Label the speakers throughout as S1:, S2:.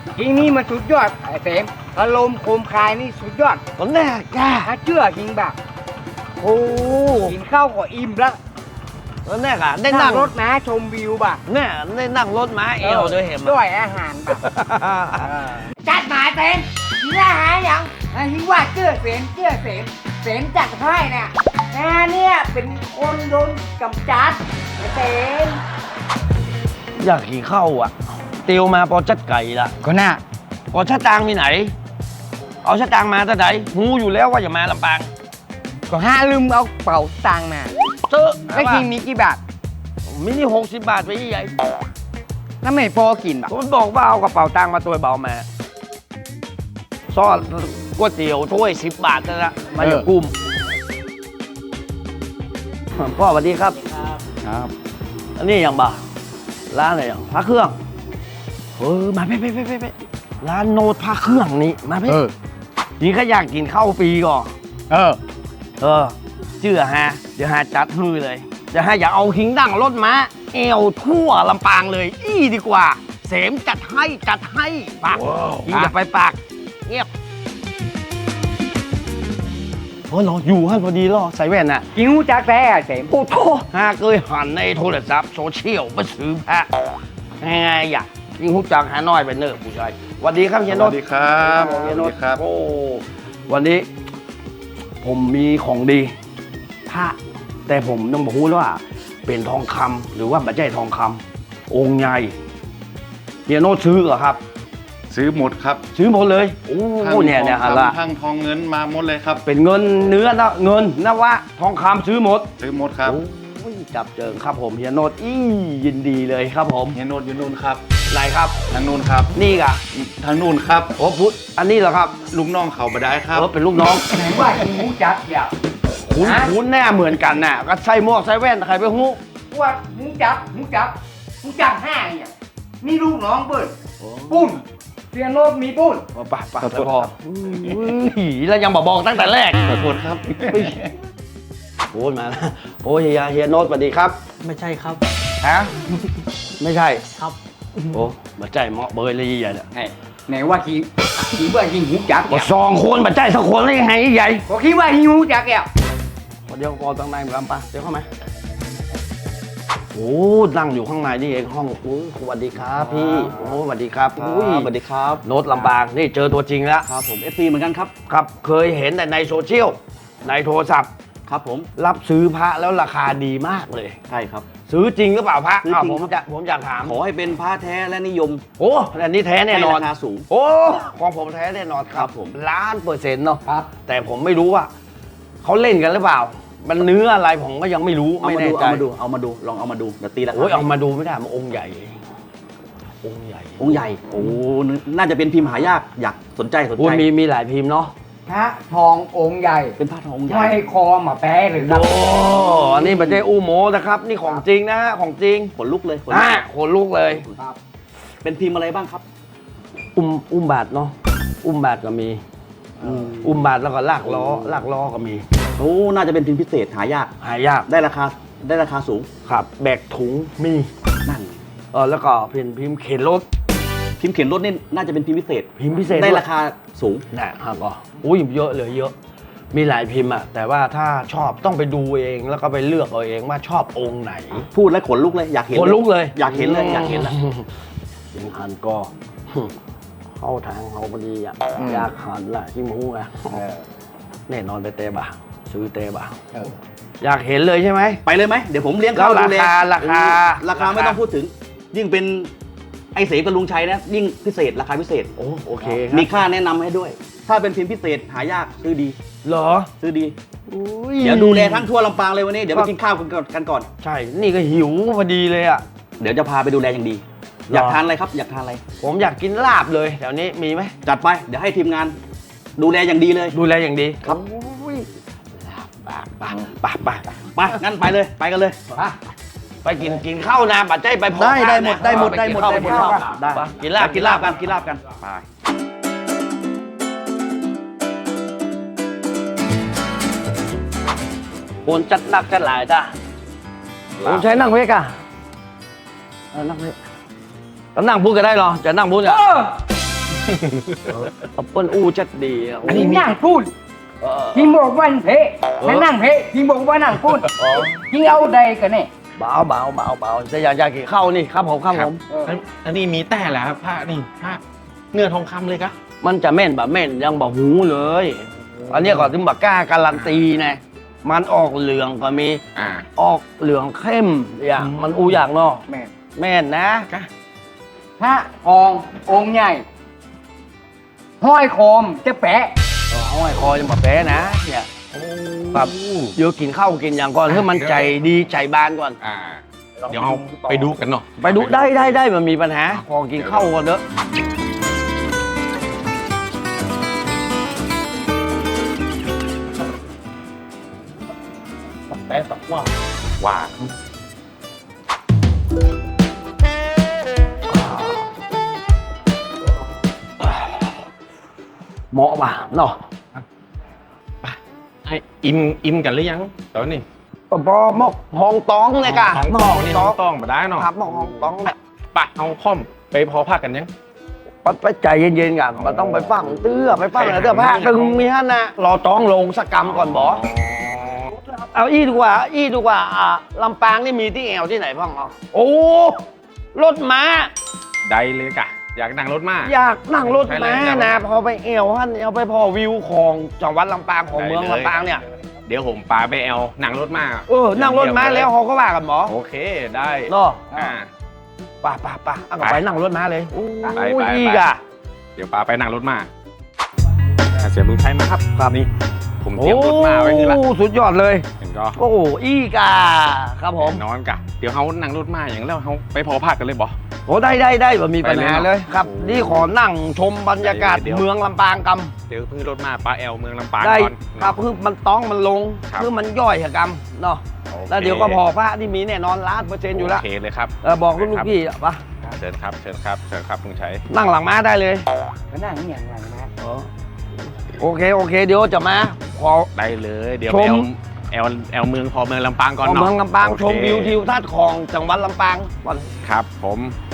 S1: หิงนี่มันสุดยอดไอ้เสมอารมณ์โคมคายนี่สุดยอด
S2: ตอนแรกกะ
S1: ถ้าเชื่อหิงแบบ
S2: โอ้
S1: กินข้าวก็อิ่มแล้ว
S2: ตอนแรกอะได้นั่ง
S1: รถม้าชมวิวบ่ะ
S2: เนี่ยได้นั่งรถม้าเอวด้วยเห็นไหม
S1: ด้วยอาหารบ่ะจัดหมายเสมหิงอาหารยังหิงว่าเชื่อเสมจัดให้เนี่ยเนี่ยเป็นคนโดนกำจัดไอ้เสม
S2: อยากขี่เข้าอ่ะเตียวมาปอจัดไก่ละ
S1: ก็น่า
S2: ปอชะตางมีไหน เอาชะตางมาแต่ไหนหูอยู่แล้วว่าอย่ามาลำปาง
S1: ก็ห้าลืมเอาเป๋าตังค์มา
S2: เจอ
S1: แล้วกินมีกี่บาท
S2: มินิ60 บาทไปใหญ่
S1: แล้วไม่พอกินแบบ
S2: ผมบอกว่าเอากระเป๋าตังค์มาตัวเบามาซ่อนก๋วยเตี๋ยวถ้วย10 บาทนั่นละมาจากกุ้มพ่อสวัสดีครับ
S1: ครับ
S2: อันนี้อย่างบ่าร้านอะไรอย่างพระเครื่องมาไปร้านโนดพระเครื่องนี่มาพี่นี่ก็อยากกินข้าวฟรีก่อนชื่อฮะเดี๋ยวฮะจัดฮือเลยจะให้อยากเอาหิงดั่งรถม้าเอวทั่วลำปางเลยดีกว่าเสมจัดให้ปากยิงอย่าไปปากเงียบเราอยู่ฮั่นพอดีเหรอใส่แว่นน่ะ
S1: กินหูจักแต่เสม
S2: โอ้โหหากเคยหันในโทรศัพท์โซเชียลมาซื้อแพะไงอยากยิงหุบจังหาน้อยไปเนอะผู้ชายสวัสดีครับเฮียโน
S3: ส
S2: ต
S3: วัสดีครับ
S2: เฮียโน
S3: สวั
S2: ต
S3: สดีครับ
S2: โอ้วันนี้ ผมมีของดีพระแต่ผมต้องบอกว่าเป็นทองคำหรือว่าไม่ใช่ทองคำองค์ใหญ่เฮียโนตซื้อเหรอครับ
S3: ซื้อหมดครับ
S2: ซื้อหมดเลยโอ้
S3: ทั้ง
S2: เนี่ย
S3: ทอง
S2: ฮะละ
S3: คำทั้งทองเงินมาหมดเลยครับ
S2: เป็นเงินเนื้อนะเงินนะวะทองคำซื้อหมด
S3: ซื้อหมดครับ
S2: โอ้ยจับเจิงครับผมเฮียโนตยินดีเลยครับผม
S3: เฮียโนดอยู่นู่นครับ
S2: ไหนครับ
S3: ทางนู่นครับ
S2: นี่กะ
S3: ทางนู่นครับ
S2: โอ้พุทธอันนี้เหรอครับ
S3: ลูกน้องเขาบได้ครับ
S2: เป็นลูกน้อง
S1: ไหนว่ากินหูจักอย่า
S2: คุ้นแน่เหมือนกันน่ะก็ใส่หมวกใส่แว่นใครไปหู้
S1: ว่าหูจักห้าเนี่ยนี่ลูกน้องเปิ้ลปุ้นเรียนโลกมีปุ้น
S2: ป่ะแล้วพอหีแล้วยังบอกตั้งแต่แรก
S3: ขอโทษครับ
S2: โอ้ยมาแล้วโอ้ยเฮียโนตสวัสดีครับ
S4: ไม่ใช่ครับ
S2: ฮะไม่ใช่
S4: ครับ
S2: โอ้มาใจเหมาะเบยเลยใหญ่เนี่ย
S1: ไหนว่ากินว่ากินหูจัก
S2: ก็สองคนมาใจสักคนได้ยังไงใหญ่
S1: ก็คิดว่ากินหูจักแก
S2: เดี๋ยวพอตั้งในเหมือนกันปะเดี๋ยวเข้ามาโอ้นั่งอยู่ข้างในนี่เองห้องโอ้สวัสดีครับพี่โอ้สวัสดีครับ
S4: สวัสดีครับ
S2: โน้ตลำบากนี่เจอตัวจริงแล้ว
S4: ครับผม FC เหมือนกันครับ
S2: ครับเคยเห็นแต่ในโซเชียลในโทรศัพท์
S4: ครับผม
S2: รับซื้อพระแล้วราคาดีมากเลย
S4: ใช่ครับ
S2: ซื้อจริงหรือเปล่าพระ
S4: ซื้อจริง
S2: ผมอยากถาม
S4: ขอให้เป็นพระแท้และนิยม
S2: โอ้อันนี้แท้แน่นอน
S4: ให้ราคาสูง
S2: โอ้ของผมแท้แน่นอนค
S4: ครั
S2: รับบ
S4: ผม
S2: 1,000,000%เนาะ
S1: ครับ
S2: แต่ผมไม่รู้ว่าเขาเล่นกันหรือเปล่า มันเนื้ออะไรผมก็ยังไม่รู้
S4: เอา
S2: ไม่
S4: มา
S2: แน่
S4: ดู
S2: ใจ
S4: เอามาดูลองเอามาดูเดี๋ยวตีราคา
S2: โอ้ยเอามาดูไม่ได้มันองค์ใหญ่องค์ใหญ่
S4: องค์ใหญ่โอ้น่าจะเป็นพิมพ์หายากอยากสนใจ
S2: โอ้ยมีหลายพิมพ์เนาะ
S1: พระทององค์ใหญ่
S4: เป็นพระทององค์ใหญ่
S1: ห้อยคอมาแปะหรือครับ
S2: โอ้อันนี้มันไม่ใช่อู้โมนะครับ นี่ของจริงนะฮะของจริง
S4: ขนลุกเลยขนลุ
S2: อ่าก ขนลุกเลย
S1: ครับ
S4: เป็นพิมพ์อะไรบ้างครับ
S2: อุ้มบาทเนาะอุ้มบาทก็มี อุ้มบาทแล้วก็ลากล้อก็มี
S4: โอ้น่าจะเป็นพิมพ์พิเศษหายาก
S2: หายาก
S4: ได้ราคาสูง
S2: ครับแบกถุงมี
S4: นั่น
S2: แล้วก็เป็นพิมพ์เข็นรถ
S4: พิมพ์เขียนรถนี่น่าจะเป็นพิมพ์พิเศษ
S2: พิมพ์พิเศษ
S4: ได้
S2: ด้วย
S4: ราคาสูง
S2: นะฮะก็อุ้ยเยอะเลยเยอะ มีหลายพิมพ์อะแต่ว่าถ้าชอบต้องไปดูเองแล้วก็ไปเลือกเอาเองว่าชอบองค์ไหน
S4: พูดแล้วขนลุกเลยอยากเห็น
S2: ขนลุกเลย
S4: อยากเห็นเลยอยากเห็นเลย
S2: ยังหันก็ เข้าทางเขาพอดีอะอยากหันละที่มูอะแน่นอนไปเตะบ่าซื้อเตะบ่าอยากเห็นเลยใช่ไหม
S4: ไปเลยไหมเดี๋ยวผมเลี้ยง
S2: แล้ว
S4: ข้าวดูแล
S2: ราคา
S4: ราคาไม่ต้องพูดถึง ยิ่งเป็นไอเสกับลุงชัยนะยิ่งพิเศษราคาพิเศษ
S2: โอเคครับ
S4: มีค่าแนะนำให้ด้วย ถ้าเป็นพิมพ์พิเศษหายากซื้อดี
S2: เหรอ
S4: ซื้อดี
S2: อุ้ย
S4: เดี๋ยวดูแลทั้งทั่วลำปางเลยวันนี้เดี๋ยวไปกินข้าวกันก่อน
S2: ใช่ นี่ก็หิวพอดีเลยอ่ะ
S4: เดี๋ยวจะพาไปดูแลอย่างดี อยากทานอะไรครับอยากทานอะไร
S2: ผมอยากกินลาบเลยแถวนี้มีไหม
S4: จัดไปเดี๋ยวให้ทีมงาน ดูแลอย่างดีเลย
S2: ดูแลอย่างดี
S4: ครับ
S2: อุ้ยลาบปะ
S4: ไปงั้นไปเลยไปกันเลย
S2: ไปกินข้าวนะปัจจัยไปพอ
S4: ได้หมด
S2: นะ
S4: ได้หมด
S2: ไป
S4: ได้หมด
S2: ข้าว
S4: ได้หมด
S2: ไปข้าว
S4: ได้
S2: ไปกินลาบ
S4: กินลาบกันกินลาบกันไป
S2: คนจัดหนักจัดหลายจ้ะผมใช้นั่งเวกอะนั่งเวกแล้วนั่งพูดก็ได้เหรอจะนั่งพูดอะเปิ้ลอู้จัดดีอ่ะ
S1: อันนี้นั่งพูด
S2: เออ
S1: พี่บอกว่าเพะให้นั่งเพะพี่บอกว่านั่งพูดพี่เอาใดกันเนี่ย
S2: เบาจะอยากกินข้าวนี่ครับผม
S5: อันนี้มีแต่แหละครับผ้านี่ผ้าเนื้อทองคำเลยกะ
S2: มันจะแม่นแบบแม่นยังบอกหูเลย อันนี้ก็ถึงบักกล้าการันตีนะมันออกเหลืองก็มี
S5: อ่า
S2: ออกเหลืองเข้มอย่างมันอูอย่างเนาะ
S1: แม่
S2: แม่นนะ
S5: กะ
S1: พระทององค์ใหญ่ ห้อยโคมจะแปะ
S2: ห้อยคอจะมาแพ้นะเนี่ยแบบเดี๋ยวกินข้าวกินอย่างก่อนเพื่อมันใจดีใจบานก่อน
S5: อ่า เดี๋ยวเอาไปดูกันเนาะ
S2: ไปดูได้มันมีปัญหาพอกินข้าวก่อนเด้อ
S5: แต่สักว่าหวาน
S2: เหมาะป่ะเนาะ
S5: ไออิ่มกันหรือยังตอนนี้
S2: ก็พอหมกหองตองเลยกะ
S5: ห้องต้องนี่ห้องต้องมาได้เนาะ
S2: ครับหมกหองตองเนี่ย
S5: ปะเอาพร้อมไปพอพักกันยัง
S2: ไปใจเย็นๆกันมันต้องไปฟังเตื้อไปฟังอะไรเตื้อผ้าตึงมีฮะนะรอต้องลงสกรรมก่อนบอเอาอี้ดีกว่าลำปางนี่มีที่แอวที่ไหนบ้างอ๋อโอ้รถม้า
S5: ได้เลยกะ อยากนั่งรถมา
S2: อยากนั่งรถม้า
S5: ใช่เลย
S2: นะพอไปแอวฮั่นเอาไปพอวิวของจังหวัดลำปางของเมือง
S5: ได้เลย
S2: ลำปางเนี่ย
S5: เดี๋ยวผมปาไปแอลนั่งรถมา
S2: นั่งรถม้าแล้วเขาก็ว่ากันหมอ
S5: โอเคได้
S2: เนาะ
S5: อ่า
S2: ป่ะเอาไปนั่งรถม้าเลยโอ้
S5: ไป
S2: ยอีกอ่ะ
S5: เดี๋ยวปาไปนั่งรถมาเสียบลุงชัยมาครับครับนี่ผมเตรียมรถมาไว้นี่ละ
S2: โอ้สุดยอดเลย
S5: เห็นก็
S2: โอ้อีกอ่ะครับผม
S5: นอนกะเดี๋ยวเขานั่งรถมาอย่างแล้วเขาไปพอพักกันเลยบอ
S2: โอ้ได้แบบมีปัญหา
S5: ไปเลยเนอะ
S2: เลยครับ
S5: โอ้
S2: นี่ขอนั่งชมบรรยากาศ
S5: เดี๋ยว
S2: เมืองลำปางก
S5: เดี๋ยวเพิ่งรถมาปลาแอลเมืองลำปาง
S2: ำได้
S5: ก่อน
S2: ครับคือมันต้องมันลง
S5: ครับ
S2: คือมันย่อยกรรมเนาะ
S5: โอค
S2: แล้วเดี๋ยวก็พอพระที่มีแน่นอน1,000,000%อยู่แล้ว
S5: โอเคเลยครับ
S2: บอกลูกพี่ปะ
S5: เชิญครับเชิญครับลุงชัย
S2: นั่งหลังม้าได้เลย
S1: ก็นั่งอย่างไรนะ
S2: โอเคเดี๋ยวจะมาขอ
S5: ได้เลยเดี๋ยว
S2: ช
S5: ไป
S2: ม
S5: แอลเมืองพอเมืองลำปางก่อน
S2: ของ
S5: เนาะ
S2: เมืองลำปาง
S5: โอเค
S2: ชมวิวทิวทัศน์ของจังหวัดลำปางก่อน
S5: ครับผม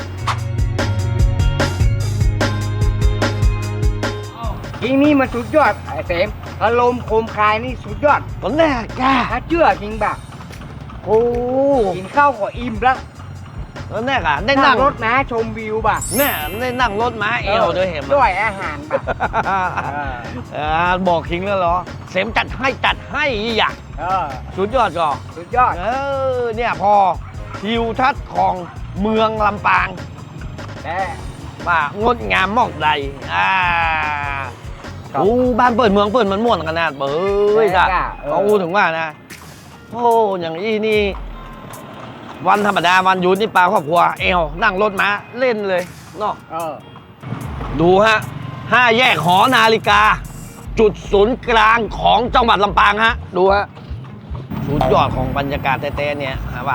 S1: ทีนี้มันสุดยอดไอ้เสมอารมณ์โคมคายนี่สุดยอด
S2: ตอนแรกกะ
S1: ถ้าเชื่อจริงแบบ
S2: โอ้
S1: กินข้าวก็อิ่มแล้ว
S2: ตอนแรกอ่ะได้นั่ง
S1: รถม้าชมวิวบ่ะ
S2: เนี่ยได้นั่งรถม้าเอวด้วยเห็นไหม
S1: ด้วยอาหารบ่ะ
S2: บอกคิงแล้วเหรอ เสมจัดให้อยาก
S1: เออ
S2: สุดยอดก่อ
S1: สุดยอด
S2: เนี่ยพอทิวทัศน์ของเมืองลำปาง
S1: แต่
S2: ว่างดงามมอกใดโอ้บ้านเปิดเมืองเปิดมันม่วนขนาดเบ้ยจ้ะเขาถึงว่านะโอ้อย่างนี้นี่ วันธรรมดาวันหยุดนี่ปลาครอบครัวเอวนั่งรถม้าเล่นเลยเนาะ
S1: เออ
S2: ดูฮะ5 แยกหอนาฬิกา จุดศูนย์กลางของจังหวัดลำปางฮะ ดูฮะสุดยอดของบรรยากาศแต่เนี่ยฮะว่า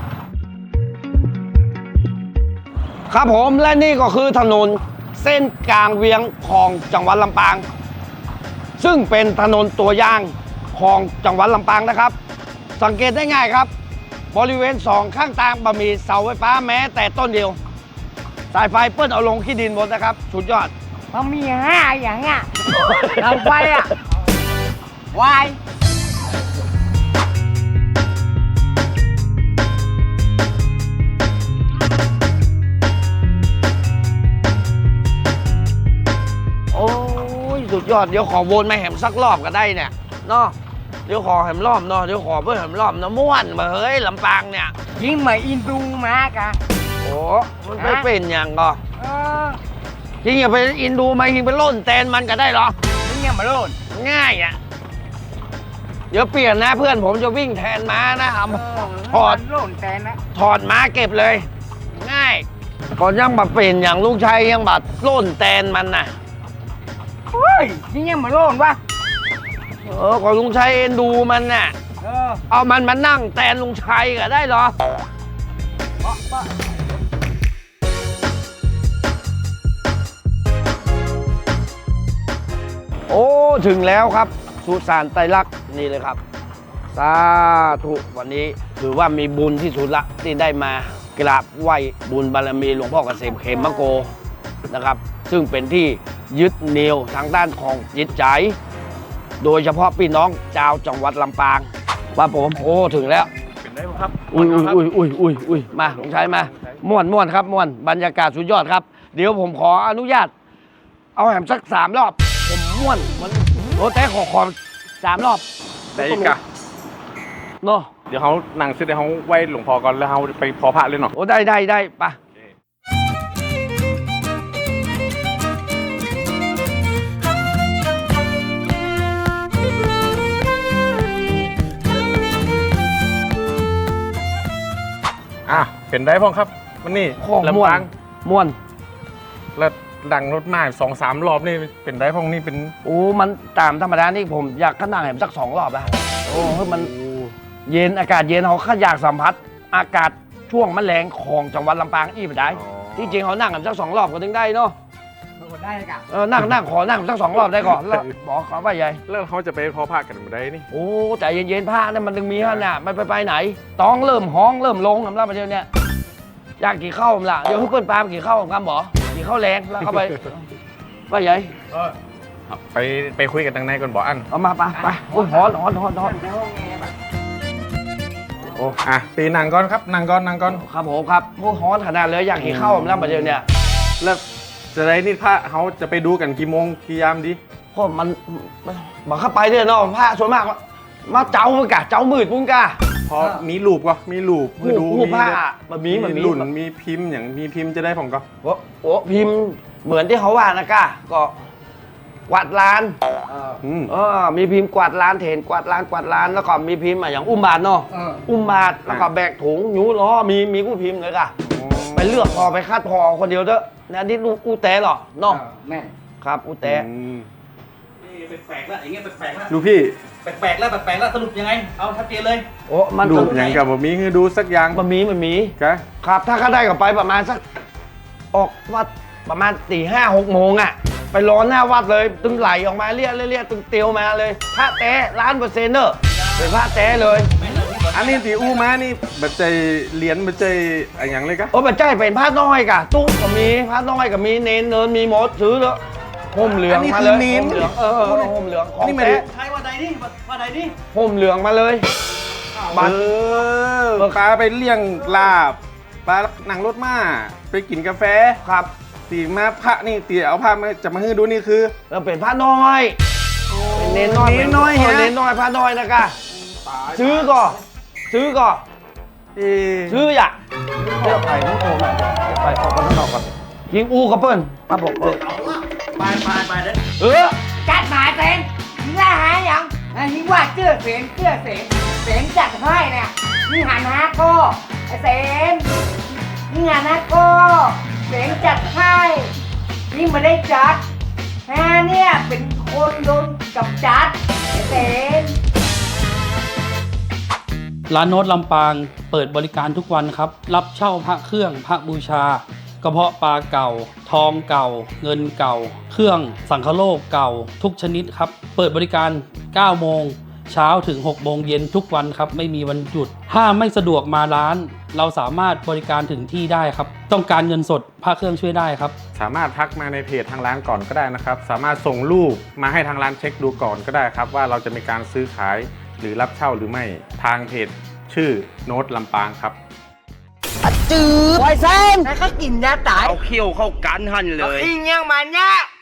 S2: ครับผมและนี่ก็คือถนนเส้นกลางเวียงของจังหวัดลำปาง ซึ่งเป็นถนนตัวอย่างของจังหวัดลำปางนะครับ สังเกตได้ง่ายครับ บริเวณ2ข้างทางบะมีเสาไฟฟ้าแม้แต่ต้นเดียว สายไฟเปิ้ลเอาลงขี้ดินหมดนะครับ สุดยอด
S1: มันมี5อย่างอ่ะเราไปอ่ะวาย
S2: โอ้ยสุดยอดเดี๋ยวขอวนมาแหมสักรอบก็ได้เนี่ยเนาะเดี๋ยวขอแหมรอบเนาะเดี๋ยวขอเพื่อแหมรอบนะม่วนมาเฮ้ยลำปางเนี่ย
S1: ยิ่งมาอินดูมากะ
S2: โอ้มันไม่เป็นอย่างก็
S1: เออ
S2: จริงอย่าไปอินดูมาจริงไปล่นแตนมันก็ได้เหรอ
S1: มึงเนี่ยมาโลด
S2: ง่ายอ่ะเดี๋ยวเปลี่ยนนะเพื่อนผมจะวิ่งแทนม้านะครับ ถอด
S1: โลดแต่นะ
S2: ถอดม้าเก็บเลย ง่ายก่อนยังบัดเป็นอย่างลูกชายยังบัดล่นแตนมันน่ะ
S1: เฮ้ยยิ่งเนี่ยมาโลดวะ
S2: ก่อนลุงชัยเอ็นดูมันน่ะ
S1: เออ
S2: เอามันมานั่งแทนลุงชัยก็ได้เหรอ โอ้ถึงแล้วครับสุสานไตรลักษณ์นี่เลยครับสาธุวันนี้ถือว่ามีบุญที่สุดละที่ได้มากราบไหว้บุญบารมีหลวงพ่อเกษมเขมโกนะครับซึ่งเป็นที่ยึดเหนี่ยวทางด้านของจิตใจ โดยเฉพาะพี่น้องชาวจังหวัดลำปางว่าผมโอ้ถึงแล้ว
S5: เป็นได้ครับ
S2: อุ้ยมาลุงชัยมาม่วนครับม่วนบรรยากาศสุดยอดครับ เดี๋ยวผมขออนุญาต เอาแหมสัก3 รอบ ผมม่วนมันโอ้แต่ขอ3 รอบ
S5: ได้อีกอะ
S2: เนาะ
S5: เดี๋ยวเขานั่งซื้อเดี๋ยวเขาไหว้หลวงพ่อก่อนแล้วเขาไปพอพระเลยเนาะ
S2: โอ้ได้ไปะ
S5: เป็นได้พ่องครับวันนี้
S2: ข้อม่ว
S5: ลำปาน ง
S2: ม่วน
S5: แล้วดังรถมา2-3 รอบนี่เป็นได้พ่องนี่เป็น
S2: โอ้มันตามธรรมดานี่ผมอยากขนาดแหมสัก2 รอบอะโอ้มันเย็นอากาศเย็นเขาข้าอยากสัมผัสอากาศช่วงแมลงของจังหวัดลำปางอีกได้ ที่จริงเขานั่งกันสัก2 รอบก็ถึงได้เนาะ
S1: ได้กับ
S2: นั่งขอนั่งสัก2 รอบได้ก่อนแล้วบอกเขาว่าใหญ่
S5: แล้วเขาจะไปพอพระกันมาได้นี่
S2: โอ้ใจเย็นๆผ้าเนี่ยมันถึงมีฮะเนี่ยไปไหนต้องเริ่มห้องเริ่มลงสำหรับประเทศเนี่ยอยากกี่ข้าวผมล่ะเดี๋ยวให้เปิ้ลปลากี่ข้าวผมคำบอกกี่ข้าวแรงแล้วก็ไปว่าใหญ่
S5: ไปคุยกันทางในก่อนบอกอัน
S2: เอามาไปโอ้ยฮ้อน
S1: ในห้องแอร์แบบ
S5: โอ้ปีนั่งก่อนครับนั่งก่อน
S2: ครับผมครับโอ้ฮ้อนขนาดเลยอยากกี่ข้าวผมแล้วประเทศเนี่ย
S5: แล้วจะได้นี่พระเขาจะไปดูกันกี่โมงกี่ยามดี
S2: เพราะมันบอกเข้าไปเนี่ยเนาะผ้าส่วนมากมาเจ้ามึงกะเจ้ามืดมึงกะ
S5: พอมีรูปก็มีรูป
S2: หูผ้ามันมี
S5: รุ่นมีพิมพ์อย่างมีพิมพ์จะได้ผมก็
S2: โอ้พิมพ์เหมือนที่เขาว่านะกะก็กวาดลาน มีพิมพ์กวาดลานเถนกวาดลานแล้วก็มีพิมพ์อย่างอุ้มบาทเนาะอุ้มบาทแล้วก็แบกถุงยูล้อมีกู้พิมพ์เลยกะไปเลือกพอไปคาดพอคนเดียวเถอะนะนี่อูแต่หรอเนาะ
S1: แม่
S2: ครับอูแต่
S4: นี่แปลกๆแล้วอย่างเงี้ยแปลกๆแล้ว
S5: ดูพี่
S4: แปลกๆแล้วสรุปยังไงเอาชัดเจนเลย
S2: โอ้มัน
S5: รูปอย่างกับผมมีคือดูสักอย่าง
S2: มันมี
S5: กะ
S2: ครับถ้าเขาได้ก็ไปประมาณสักออกวัดประมาณ4-5-6 โมงอ่ะไปรอหน้าวัดเลยตึงไหลออกมาเรียกตึงเตียวมาเลยพระแท้1,000,000%เนอะเป็นพระแท้เลย
S5: อันนี้ตีอู้มานี่บัดใจเหรียญบัดใจอะไรอย่างเลยกะ
S2: โอ้ปัจจัยเป็นพระน้อยกะตุ๊กก็มีพระน้อยก็มีเนนมีหมดซื้อแล้วห่มเหลืองมาเลยห่มเหลืองห่มเหลืองของแท้
S4: ใช่ว่าใดนี่ว่าใดนี่
S2: ห่มเหลืองมาเลยบัตร
S5: ปลาไปเลี้ยงลาบปลานั่งรถมาไปกินกาแฟ
S2: ครับ
S5: ตีมาพระนี่ตีเอาพระมาจะมาให้ดูนี่คือ
S2: แล้วเป็นพระน้อยเป็นเนนน้อย
S5: เนนน้อยฮะ
S2: เนนน้อยพระน้อยนะกะซื้อก่อนซื้ออย่าเลือกไปทั้งโอ่งไปออกกันทั้งนอกก่อนยิงอูกับเปิ้ลครับผม
S4: ไปเด้อ
S1: จัดหมายเต็มยิงล่าหาอย่างยิงว่าเจื้อเสียงจัดให้เนี่ยยิงหันหาก็ไอ้เสียงยิงหันหาก็เสียงจัดให้ยิงไม่ได้จัดเนี่ยเป็นคนโดนกับจัดไอ้เสียง
S6: ร้านโน้ตลำปางเปิดบริการทุกวันครับ รับเช่าพระเครื่องพระบูชากระเพาะปลาเก่า ทองเก่า เงินเก่า เครื่องสังฆโลกเก่าทุกชนิดครับ เปิดบริการ 9 โมงเช้าถึง 6 โมงเย็นทุกวันครับ ไม่มีวันหยุด ถ้าไม่สะดวกมาร้าน เราสามารถบริการถึงที่ได้ครับ ต้องการเงินสดพระเครื่องช่วยได้ครับ
S5: สามารถทักมาในเพจทางร้านก่อนก็ได้นะครับ สามารถส่งรูปมาให้ทางร้านเช็คดูก่อนก็ได้ครับ ว่าเราจะมีการซื้อขายหรือรับเช่าหรือไม่ทางเพจชื่อโน้ตลำปางครับ
S1: จืดไวเซนแล้วก็กินยาตาย
S2: เอาเขี้ยวเข้ากันหันเลย
S1: อิงยังมันเนี่ย